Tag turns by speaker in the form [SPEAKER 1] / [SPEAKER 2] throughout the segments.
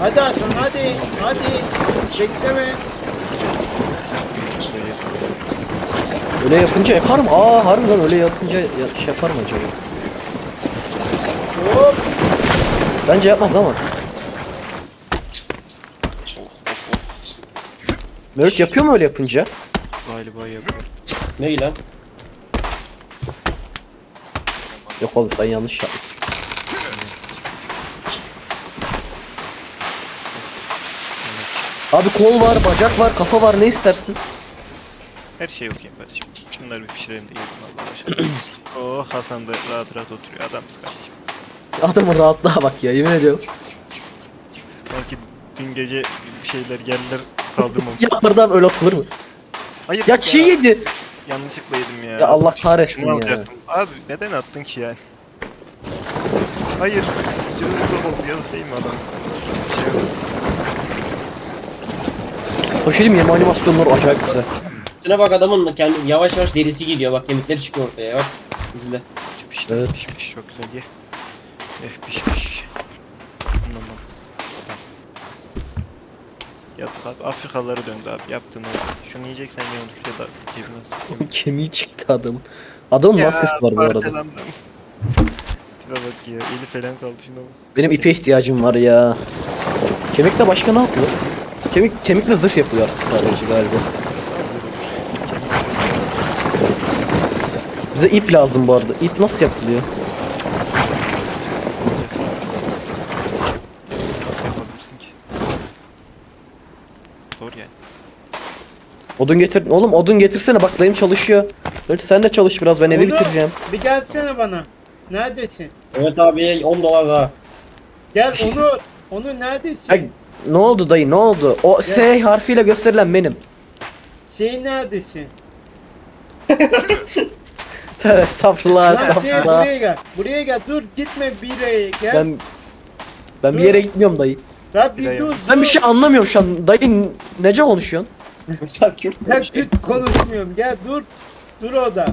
[SPEAKER 1] Hadi Hasan hadi. Hadi. Bekleme.
[SPEAKER 2] Öyle yapınca yaparım. Aa harbiden öyle yapınca şey yapar mı acaba?
[SPEAKER 1] Hop.
[SPEAKER 2] Bence yapmaz ama. Mevlüt yapıyor mu öyle yapınca?
[SPEAKER 3] Galiba yapıyor.
[SPEAKER 4] Ne lan?
[SPEAKER 2] Yok oğlum sen yanlış yapmışsın. Abi kol var, bacak var, kafa var, ne istersin?
[SPEAKER 3] Her şey okuyayım kardeşim. Şunları bir pişirelim de yiyelim Allah aşkına. Oh Hasan da rahat rahat oturuyor. Adamız kardeşim.
[SPEAKER 2] Adamın rahatlığa bak ya, yemin ediyorum.
[SPEAKER 3] Belki dün gece bir şeyler geldiler kaldırmamış.
[SPEAKER 2] Ya oradan öyle atılır mı?
[SPEAKER 3] Hayır
[SPEAKER 2] Ya çiğ yedi.
[SPEAKER 3] yanlışlıkla yedim ya.
[SPEAKER 2] Ya Allah kahretsin
[SPEAKER 3] Şunu
[SPEAKER 2] ya.
[SPEAKER 3] alacaktım. Abi neden attın ki yani? Hayır. Cırılıkla oldu ya da değil mi adam? Şey yok.
[SPEAKER 2] Hoşçakalın, yeme animasyonları acayip güzel.
[SPEAKER 4] Şuna bak, adamın kendi yavaş yavaş derisi gidiyor, bak kemikleri çıkıyor ortaya, bak izle.
[SPEAKER 3] Pişti,
[SPEAKER 2] Evet.
[SPEAKER 3] pişmiş çok güzel ye. Pişmiş. Tamam. Ya abi Afrikalılara döndü abi yaptığını. Şunu yiyeceksen ye onu ya da cebine.
[SPEAKER 2] Kemiği çıktı adamın. Adamın maskesi var bu arada.
[SPEAKER 3] Parçalandım. Tipe bak ya eli falan kaldı şuna bak.
[SPEAKER 2] Benim ipe ihtiyacım var ya. Kemikle başka ne yapıyor? Kemikle zırh yapıyor artık sadece galiba. Bize ip lazım bu arada. İp nasıl yapılıyor?
[SPEAKER 3] Nasıl yapabilirsin ki? Zor yani.
[SPEAKER 2] Odun getir. Oğlum odun getirsene, bak dayım çalışıyor. Evet, sen de çalış biraz, ben evi
[SPEAKER 1] Oğlum,
[SPEAKER 2] bitireceğim.
[SPEAKER 1] Bir gelsene bana. Neredesin?
[SPEAKER 4] Evet abi, 10 dolar daha.
[SPEAKER 1] Gel Onur. Onur neredesin?
[SPEAKER 2] Ay, ne oldu dayı, ne oldu? O S harfiyle gösterilen benim.
[SPEAKER 1] Şey neredesin?
[SPEAKER 2] Tövbe estağfurullah,
[SPEAKER 1] Lan şey
[SPEAKER 2] estağfurullah.
[SPEAKER 1] buraya gel. Buraya gel. Dur gitme bir yere gel.
[SPEAKER 2] Ben bir yere gitmiyorum dayı.
[SPEAKER 1] Ya
[SPEAKER 3] Bir de
[SPEAKER 1] bir dur.
[SPEAKER 2] Ben bir şey anlamıyorum şu an. Dayı nece konuşuyorsun?
[SPEAKER 4] Sen Kürt
[SPEAKER 1] Ya
[SPEAKER 4] mü?
[SPEAKER 1] Kürt konuşmuyorum. Gel dur. Dur orada.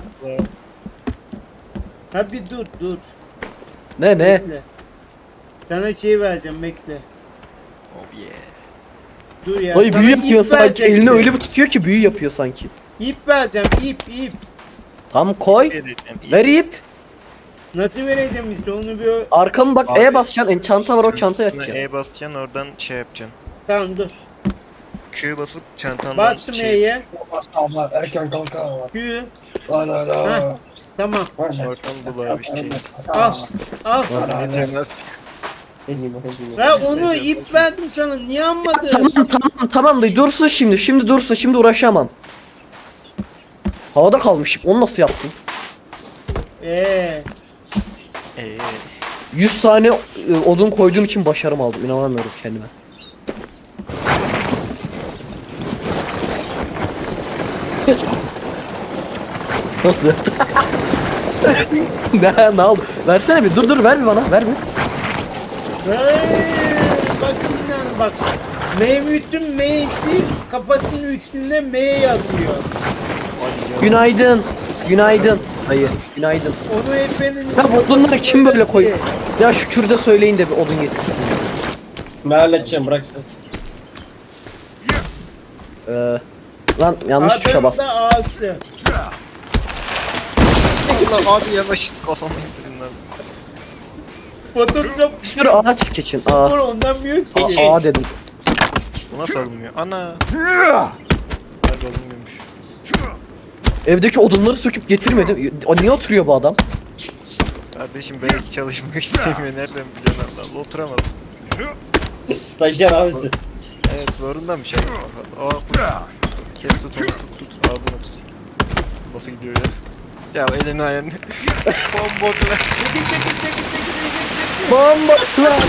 [SPEAKER 1] Ha bir dur.
[SPEAKER 2] Ne?
[SPEAKER 1] Bekle. Sana şey vereceğim bekle.
[SPEAKER 3] Oh yeah.
[SPEAKER 1] Dur ya.
[SPEAKER 2] Dayı
[SPEAKER 1] sana
[SPEAKER 2] büyü
[SPEAKER 1] ip
[SPEAKER 2] yapıyor sanki.
[SPEAKER 1] verecektim.
[SPEAKER 2] Elini öyle bir tutuyor ki büyü yapıyor sanki.
[SPEAKER 1] İp vereceğim ip.
[SPEAKER 2] Tam koy. Ver ip.
[SPEAKER 1] Nasıl vereceğim işte onu bir...
[SPEAKER 2] Arkamı bak,
[SPEAKER 3] Abi,
[SPEAKER 2] E basacaksın. Çanta var, o çantaya
[SPEAKER 3] Üstüne
[SPEAKER 2] atacaksın.
[SPEAKER 3] E basacaksın oradan şey yapacaksın.
[SPEAKER 1] Tamam dur.
[SPEAKER 3] Q basıp çantandan
[SPEAKER 1] Bastım E'ye.
[SPEAKER 4] Sabah erken kalkan.
[SPEAKER 1] Q.
[SPEAKER 4] La la la.
[SPEAKER 1] Heh. Tamam.
[SPEAKER 3] Oradan bul abi şey.
[SPEAKER 1] Al. Al.
[SPEAKER 3] Yetermez.
[SPEAKER 1] Ya onu ip verdim sana. Niye almadın?
[SPEAKER 2] Tamam dayı, dursun şimdi. Şimdi uğraşamam. Havada kalmış ip. Onu nasıl yaptın?
[SPEAKER 3] Eee.
[SPEAKER 2] 100 tane odun koyduğum için başarım aldım. İnanamıyorum kendime. Ne oldu? Ne oldu? Versene bir. Dur ver bir bana. Ver bir.
[SPEAKER 1] Bak şimdi hani bak. Mevlüt'ün M'si kafasının üstünde M yazıyor.
[SPEAKER 2] Günaydın. Hayır. Günaydın.
[SPEAKER 1] Onu efendim.
[SPEAKER 2] Ya bu odunları kim böyle koy? Ya şu Kürt'e söyleyin de bir odun getirsin.
[SPEAKER 4] Ben halledeceğim, bırak sen.
[SPEAKER 2] Lan yanlış tuşa bastım.
[SPEAKER 1] Adamda A'sı.
[SPEAKER 3] Allah abi yavaş kafamı indirin lan.
[SPEAKER 1] Photoshop
[SPEAKER 2] Bir sürü ağaç keçin. Aa,
[SPEAKER 1] spor ondan bir
[SPEAKER 2] aa dedim.
[SPEAKER 3] Bu nasıl alınmıyor? Ana. Galiba alınmıyormuş.
[SPEAKER 2] Evdeki odunları söküp getirmedim. O niye oturuyor bu adam?
[SPEAKER 3] Kardeşim belki çalışmak istemiyor. Nereden biliyorsun Allah? Oturamadım.
[SPEAKER 4] Stajyer abisi.
[SPEAKER 3] Evet zorundamış ya. Aa, kes tut onu tut. Ağzına tut. Nasıl gidiyor ya? Ya elini ayarını. Bombokla.
[SPEAKER 2] Bomba lan.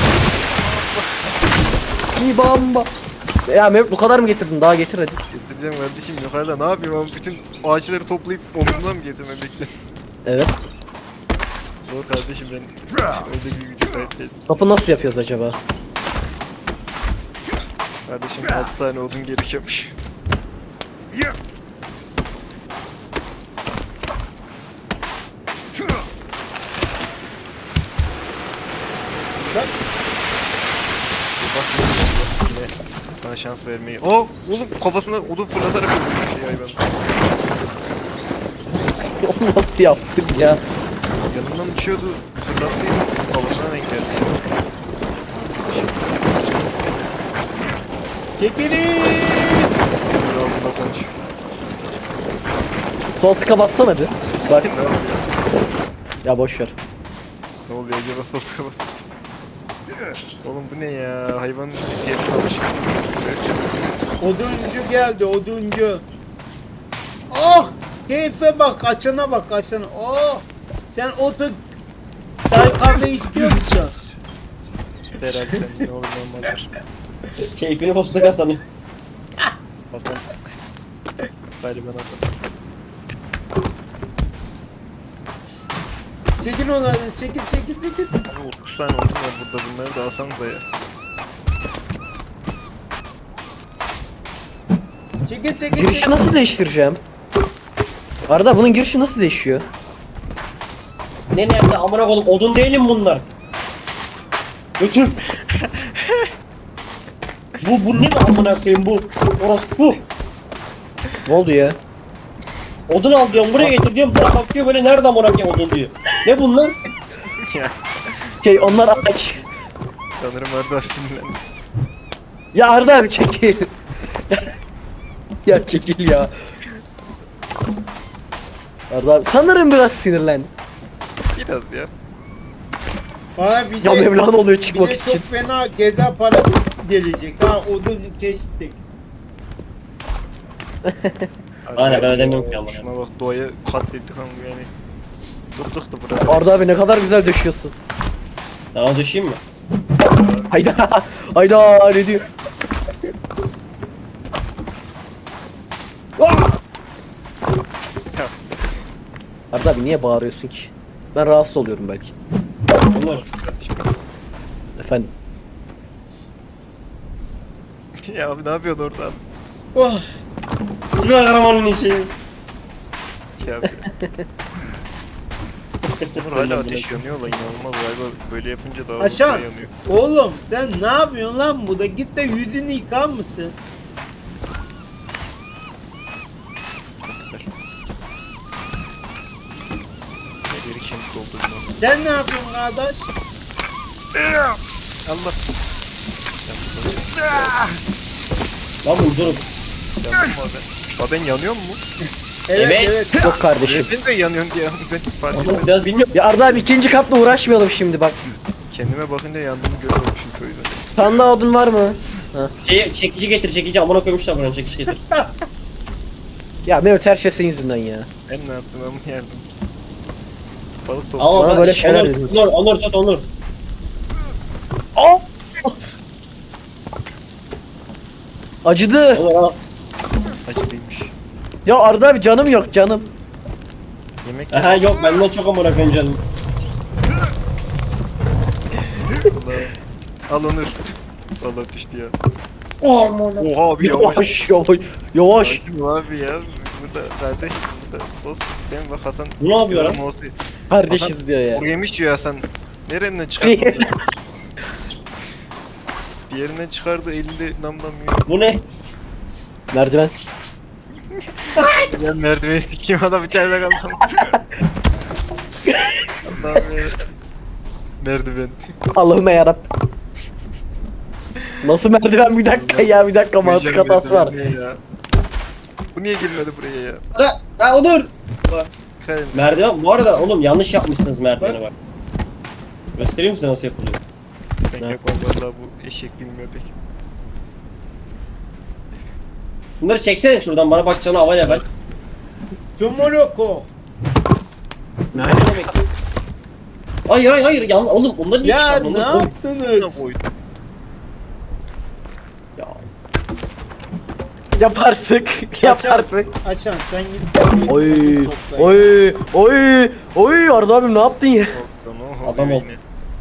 [SPEAKER 2] Bir bomba. Ya Mevlüt bu kadar mı getirdin? Daha getir hadi.
[SPEAKER 3] Getireceğim kardeşim yukarıda ne yapayım ama bütün ağaçları toplayıp omzumdan mı getirmem bekle.
[SPEAKER 2] Evet.
[SPEAKER 3] Zor kardeşim ben öyle bir gücü sahip değilim.
[SPEAKER 2] Kapı nasıl yapıyoruz acaba?
[SPEAKER 3] Kardeşim 6 tane odun gerekiyormuş.
[SPEAKER 1] Bak.
[SPEAKER 3] Bak Sana şans vermeyi. Oğlum kafasına odun fırlatarak öldürdü şey hayvan.
[SPEAKER 2] Onu nasıl yaptın ya?
[SPEAKER 3] Yanından uçuyordu. Fırlattıydı. Kafasına denk geldi.
[SPEAKER 1] Çekilin.
[SPEAKER 3] Kralına konuş.
[SPEAKER 2] Sol tıka bassana bir. Bak
[SPEAKER 3] Ne yapıyor?
[SPEAKER 2] ya boş ver.
[SPEAKER 3] Ne oluyor acaba sofra bas. Oğlum bu ne ya? Hayvanın fiyatına alışık.
[SPEAKER 1] Oduncu geldi, oduncu. Oh! Keyfe bak, açana bak, açana. Oh! Sen otur. Sen kahve istiyor musun?
[SPEAKER 3] Herhalde sen ne olur ne olmazdır.
[SPEAKER 4] Keyfini fostuk Hasan'ı.
[SPEAKER 3] Hasan. Galiba ben Hasan.
[SPEAKER 1] Çekin onları, çekin.
[SPEAKER 3] Abi 30 tane odun var burada, bunları da alsanıza ya.
[SPEAKER 1] Çekin.
[SPEAKER 2] Girişi nasıl değiştireceğim? Arda bunun girişi nasıl değişiyor?
[SPEAKER 4] Ne nerede amına koydum odun değilim bunlar. Götür. Bu ne mi amına koyayım bu? Orası bu.
[SPEAKER 2] Ne oldu ya?
[SPEAKER 4] Odun al diyorum buraya getir diyorum. Bana bakıyor böyle nerede amına koyayım odun diyor. Ne bunlar?
[SPEAKER 3] Ya
[SPEAKER 2] Şey onlar aç.
[SPEAKER 3] sanırım Arda sinirlendi.
[SPEAKER 2] Ya Arda abi çekil. Ya çekil ya. Arda abi sanırım biraz sinirlendi.
[SPEAKER 3] Biraz ya.
[SPEAKER 1] Bana bize,
[SPEAKER 2] Ya Mevlana oluyor çıkmak
[SPEAKER 1] bize
[SPEAKER 2] için.
[SPEAKER 1] çok fena geza parası gelecek. Ha odun kestik.
[SPEAKER 4] Aynen, ben ödemiyorum ki ama.
[SPEAKER 3] Şuna bak, doğaya katlettik ama yani. Durduk da burada.
[SPEAKER 2] Arda abi ne kadar güzel döşüyorsun.
[SPEAKER 4] Daha düşeyim mi?
[SPEAKER 2] Hayda. Hayda ne diyor? Arda abi niye bağırıyorsun ki? Ben rahatsız oluyorum belki.
[SPEAKER 4] Olur.
[SPEAKER 2] Efendim.
[SPEAKER 3] Ya abi ne yapıyorsun orada abi?
[SPEAKER 1] Oh!
[SPEAKER 4] Süper kahramanın içi.
[SPEAKER 3] Şey abi. Hala ateş yanıyor lan, inanılmaz galiba, böyle yapınca daha
[SPEAKER 1] Aşağı.
[SPEAKER 3] hızlı yanıyor.
[SPEAKER 1] Oğlum sen ne yapıyorsun lan burada? Git de yüzünü yıkar mısın?
[SPEAKER 3] Elleri kemik oldu bunun.
[SPEAKER 1] Sen ne yapıyorsun kardeş?
[SPEAKER 3] Allah.
[SPEAKER 4] Lan bu durun.
[SPEAKER 3] Yandım mı abi? Abi ben yanıyor mu?
[SPEAKER 4] Evet.
[SPEAKER 2] Yok kardeşim.
[SPEAKER 3] Ben de yanıyorum diye ben fark
[SPEAKER 4] Oğlum
[SPEAKER 3] etmedim.
[SPEAKER 4] biraz bilmiyorum.
[SPEAKER 2] Ya Arda abi ikinci katla uğraşmayalım şimdi bak.
[SPEAKER 3] Kendime bakınca yandığımı görüyormuşum köyde.
[SPEAKER 2] Sende odun var mı?
[SPEAKER 4] Çekici getir çekici amına koymuşlar buranın çekici getir.
[SPEAKER 2] Ya Mehmet her şey senin yüzünden ya.
[SPEAKER 3] Ben ne yaptım, ben bunu yerdim. Balık
[SPEAKER 4] Ama
[SPEAKER 3] topladım.
[SPEAKER 2] Bana
[SPEAKER 4] ben
[SPEAKER 2] böyle şeyler
[SPEAKER 4] Onur,
[SPEAKER 2] dediniz.
[SPEAKER 4] Onur tut Onur.
[SPEAKER 2] Acıdı.
[SPEAKER 4] Onur al.
[SPEAKER 3] Acılıymış.
[SPEAKER 2] Ya Arda abi canım yok canım.
[SPEAKER 3] Yemek
[SPEAKER 4] Aha yok ben de çok amına koyayım canım.
[SPEAKER 3] Allah'ım. Al Onur. Allah düştü ya. Oha abi yavaş.
[SPEAKER 2] Yavaş. Yavaş.
[SPEAKER 3] Sakin ol abi ya. Burada kardeş, burada boss. Ben bak Hasan.
[SPEAKER 4] Bu ne yapıyor lan?
[SPEAKER 3] Mouse'u-
[SPEAKER 2] Kardeşiz diyor ya.
[SPEAKER 3] Kuru yemiş yiyor Hasan. Nereden çıkardı? Bir yerinden çıkardı, elinde namlamıyor.
[SPEAKER 4] Bu ne?
[SPEAKER 2] Merdiven.
[SPEAKER 3] Gel merdiveni kim adam içeride kaldı. Allah'ım ya. Merdiven.
[SPEAKER 2] Allah'ıma yarabbim. Nasıl merdiven bir dakika ya bir dakika mantık
[SPEAKER 3] Koyacağım
[SPEAKER 2] hatası var.
[SPEAKER 3] merdiveni ya. Bu niye girmedi buraya ya?
[SPEAKER 4] Ha Onur.
[SPEAKER 3] Kayın.
[SPEAKER 4] Merdiven bu arada oğlum yanlış yapmışsınız merdiveni bak. Göstereyim size nasıl yapılıyor.
[SPEAKER 3] Ben yapmam valla, bu eşek bilmiyor pek.
[SPEAKER 4] Bunları çeksene şuradan bana bakacağını havayla ver.
[SPEAKER 1] Tomoroko.
[SPEAKER 4] Ne demek? Hayır oğlum bunları niye
[SPEAKER 1] Ya
[SPEAKER 4] çıkardın?
[SPEAKER 1] ne
[SPEAKER 4] Oğlum,
[SPEAKER 1] yaptınız?
[SPEAKER 3] Koy.
[SPEAKER 4] Ya.
[SPEAKER 2] Yap artık. Yap artık.
[SPEAKER 1] Açan sen git.
[SPEAKER 2] Oy.
[SPEAKER 1] Topla.
[SPEAKER 2] Oy. Arda abim ne yaptın ya?
[SPEAKER 4] Adam ol.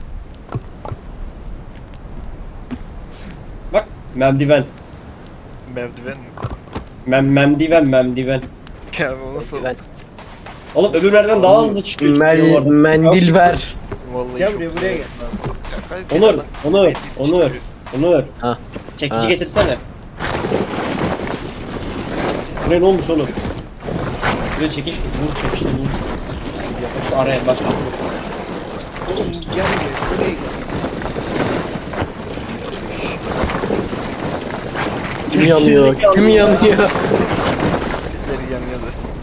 [SPEAKER 4] Bak merdiven.
[SPEAKER 3] Merdiven mi?
[SPEAKER 4] Memdiven.
[SPEAKER 3] Ya bu nasıl?
[SPEAKER 2] Ben-
[SPEAKER 4] Oğlum öbür merdiven daha hızlı çıkıyor. çıkıyor bu arada.
[SPEAKER 2] Mendil ver.
[SPEAKER 3] Vallahi
[SPEAKER 1] Gel
[SPEAKER 3] çok
[SPEAKER 1] buraya, buraya gel.
[SPEAKER 3] güzel. Ya,
[SPEAKER 4] Onur.
[SPEAKER 3] çıkıyor.
[SPEAKER 4] Onur.
[SPEAKER 2] Ha.
[SPEAKER 4] Çekici
[SPEAKER 2] Ha.
[SPEAKER 4] getirsene. Şuraya ne olmuş oğlum? Şuraya çekiş vur çekişle vur. Şu araya bak.
[SPEAKER 1] Oğlum gel buraya gel.
[SPEAKER 2] Kim yanıyor? Kim yanıyor?
[SPEAKER 3] Birileri yanıyordu.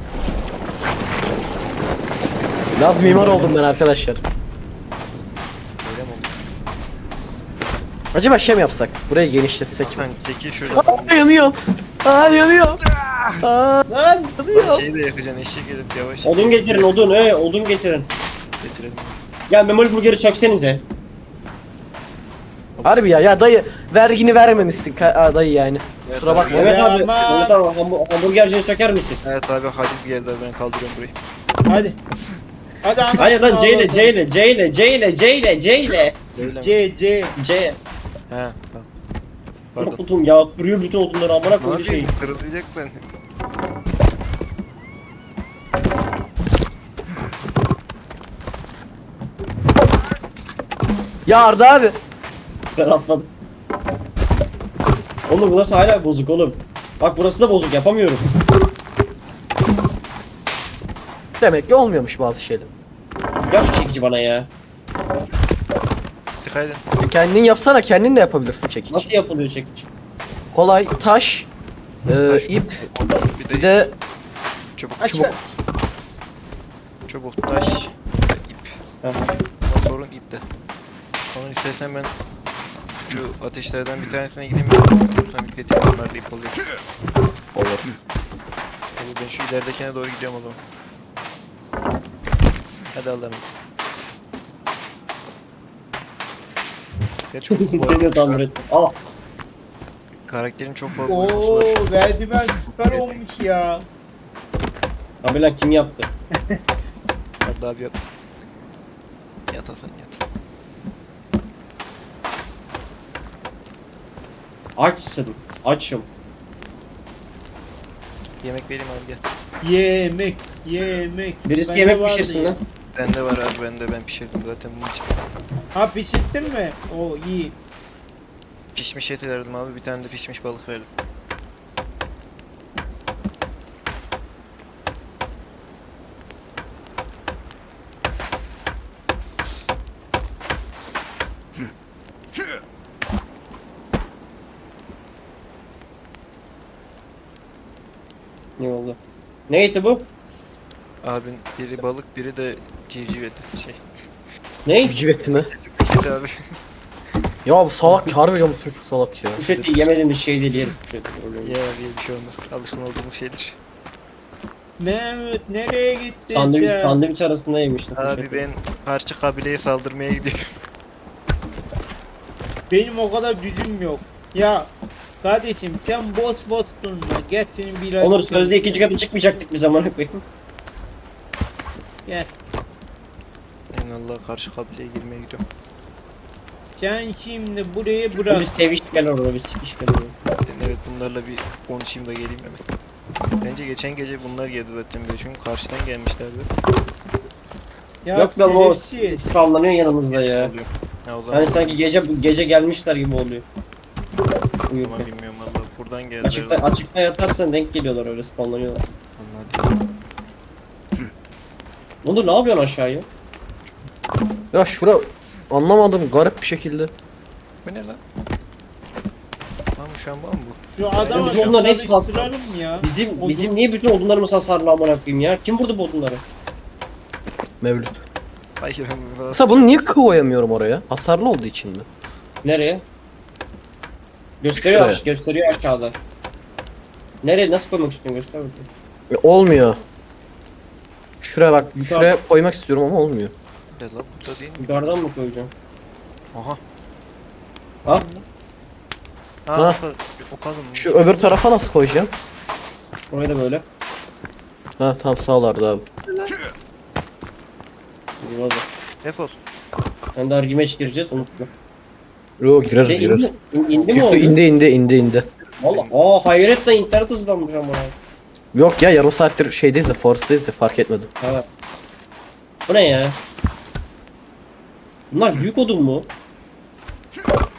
[SPEAKER 2] Laz mimar oldum ben arkadaşlar.
[SPEAKER 3] Öyle mi oldu?
[SPEAKER 2] Acaba şey mi yapsak? Burayı genişletsek mi?
[SPEAKER 3] Sen çekil şöyle.
[SPEAKER 2] Aa, yanıyor. Aa yanıyor. Aa
[SPEAKER 4] Lan!
[SPEAKER 2] yanıyor.
[SPEAKER 3] Şeyi de yakacaksın eşek gelip yavaş.
[SPEAKER 4] Odun getirin odun odun getirin.
[SPEAKER 3] Getirelim.
[SPEAKER 4] Ya memoli burgeri çeksenize.
[SPEAKER 2] Harbi ya dayı vergini vermemişsin dayı yani. Kusura bakma.
[SPEAKER 4] Mehmet abi,
[SPEAKER 1] Aman.
[SPEAKER 4] Mehmet abi hamburgerciyi söker misin?
[SPEAKER 3] Evet abi Halis geldi ben kaldırıyorum burayı.
[SPEAKER 1] Hadi. Hadi anlat.
[SPEAKER 4] Hayır lan C ile C ile C ile C ile C ile C ile
[SPEAKER 3] Öyle mi?
[SPEAKER 1] C.
[SPEAKER 4] C.
[SPEAKER 3] He tamam. Pardon.
[SPEAKER 4] Kutum ya kırıyor bütün odunları amına
[SPEAKER 3] Ne
[SPEAKER 4] koyduğu şey.
[SPEAKER 3] yapayım? Kırılacak ben.
[SPEAKER 2] Ya Arda abi.
[SPEAKER 4] Ben atladım. Oğlum burası hala bozuk oğlum. Bak burası da bozuk yapamıyorum.
[SPEAKER 2] Demek ki olmuyormuş bazı şeyler.
[SPEAKER 4] Gel şu çekici bana ya.
[SPEAKER 3] Dikkat edin.
[SPEAKER 2] Kendin yapsana kendin de yapabilirsin çekiç.
[SPEAKER 4] Nasıl yapılıyor çekici?
[SPEAKER 2] Kolay taş,
[SPEAKER 3] Taş.
[SPEAKER 2] ip,
[SPEAKER 3] Bir
[SPEAKER 2] bir
[SPEAKER 3] de
[SPEAKER 2] de
[SPEAKER 3] çubuk.
[SPEAKER 1] Aşağı.
[SPEAKER 3] Çubuk, taş, ip.
[SPEAKER 4] Heh.
[SPEAKER 3] Motorun ip de. Onun istersen ben şu ateşlerden bir tanesine gideyim mi? Sonra ip getireyim onlar da ip oluyor.
[SPEAKER 2] olur.
[SPEAKER 3] Hadi ben şu ileridekine doğru gidiyorum o zaman. Hadi Allah'ım. Gerçi bu
[SPEAKER 4] Seni de tamir et. Al.
[SPEAKER 3] karakterin çok fazla
[SPEAKER 1] Oo
[SPEAKER 3] uykusu var.
[SPEAKER 1] verdimen süper olmuş ya.
[SPEAKER 4] Abi lan kim yaptı?
[SPEAKER 3] Hadi abi yat. Yat Hasan yat.
[SPEAKER 4] Açsın. Açım.
[SPEAKER 3] Yemek vereyim abi gel.
[SPEAKER 1] Yemek.
[SPEAKER 4] Birisi
[SPEAKER 1] Bende
[SPEAKER 4] yemek
[SPEAKER 1] vardı
[SPEAKER 4] pişirsin
[SPEAKER 1] ya.
[SPEAKER 4] lan.
[SPEAKER 3] Bende var abi ben pişirdim zaten bunun için.
[SPEAKER 1] Ha pişirttin mi? O iyi.
[SPEAKER 3] Pişmiş eti verdim abi bir tane de pişmiş balık verdim.
[SPEAKER 4] Ne oldu? Ne eti bu?
[SPEAKER 3] Abin biri balık biri de civciv eti şey.
[SPEAKER 4] Ne?
[SPEAKER 2] Civciveti mi?
[SPEAKER 3] Pişti abi.
[SPEAKER 2] Ya bu salak harbiden bu çocuk salak ya.
[SPEAKER 4] Kuş eti yemediğimiz şey değil yeriz kuş eti. Öyle
[SPEAKER 3] Ya diye bir şey olmaz. Alışkın olduğumuz şeydir.
[SPEAKER 1] Mehmet nereye gittin
[SPEAKER 4] Sandviç,
[SPEAKER 1] sen?
[SPEAKER 4] sandviç arasında yemiştim kuş
[SPEAKER 3] Abi
[SPEAKER 4] eti.
[SPEAKER 3] ben parça kabileye saldırmaya gidiyorum.
[SPEAKER 1] Benim o kadar düzüm yok. Ya kardeşim sen boş durma. Gel senin bir
[SPEAKER 4] Onur sözde ikinci katı çıkmayacaktık biz amına koyayım.
[SPEAKER 1] Gel.
[SPEAKER 3] En Allah karşı kabileye girmeye gidiyorum.
[SPEAKER 1] Sen şimdi burayı bırak.
[SPEAKER 4] Biz seviş gel orada biz sikiş gel orada.
[SPEAKER 3] Ben evet bunlarla bir konuşayım da geleyim hemen. Bence geçen gece bunlar geldi zaten bir de çünkü karşıdan gelmişlerdi.
[SPEAKER 1] Ya
[SPEAKER 4] Yok lan o
[SPEAKER 1] şerefsiz.
[SPEAKER 4] sıravlanıyor yanımızda ya.
[SPEAKER 3] Oluyor. Ya o zaman
[SPEAKER 4] Hani sanki gece gelmişler gibi oluyor. Uyurken.
[SPEAKER 3] Ama bilmiyorum valla buradan geldiler.
[SPEAKER 4] Açıkta yatarsan denk geliyorlar öyle spawnlanıyorlar.
[SPEAKER 3] Anladım.
[SPEAKER 4] Onur ne yapıyorsun aşağıya?
[SPEAKER 2] Ya şura anlamadım garip bir şekilde.
[SPEAKER 3] Bu ne lan? Lan bu şu an var mı bu?
[SPEAKER 1] Şu adamı
[SPEAKER 4] Biz onların hepsi
[SPEAKER 1] çalıştıralım ya.
[SPEAKER 4] Bizim niye bütün odunlarımız hasarlı amına koyayım ya? Kim vurdu bu odunları?
[SPEAKER 2] Mevlüt.
[SPEAKER 3] Hayır ben burada.
[SPEAKER 2] Mesela bunu niye koyamıyorum oraya? Hasarlı olduğu için mi?
[SPEAKER 4] Nereye? Gösteriyor
[SPEAKER 2] Şuraya.
[SPEAKER 4] gösteriyor aşağıda. Nereye nasıl koymak istiyorsun göster bakayım.
[SPEAKER 2] Olmuyor. Şuraya bak,
[SPEAKER 4] Yukarı-
[SPEAKER 2] şuraya koymak istiyorum ama olmuyor.
[SPEAKER 3] Ne lan burada değil mi?
[SPEAKER 4] Yukarıdan mı koyacağım?
[SPEAKER 3] Aha.
[SPEAKER 4] Ha?
[SPEAKER 3] Ha,
[SPEAKER 2] Ha.
[SPEAKER 3] o kadın.
[SPEAKER 2] Şu öbür tarafa nasıl koyacağım?
[SPEAKER 4] Oraya da böyle.
[SPEAKER 2] Ha tamam sağ ol Arda abi.
[SPEAKER 4] Hadi.
[SPEAKER 3] Defol.
[SPEAKER 4] Ben daha rematch gireceğiz unutma.
[SPEAKER 2] Yo gireriz
[SPEAKER 4] Şey
[SPEAKER 2] gireriz.
[SPEAKER 4] indi mi oldu?
[SPEAKER 2] İndi.
[SPEAKER 4] Valla hayret de internet hızlanmış ama.
[SPEAKER 2] Yok ya yarım saattir şeydeyiz de Forest'tayız da fark etmedim.
[SPEAKER 4] Ha. Bu ne ya? Bunlar büyük odun mu?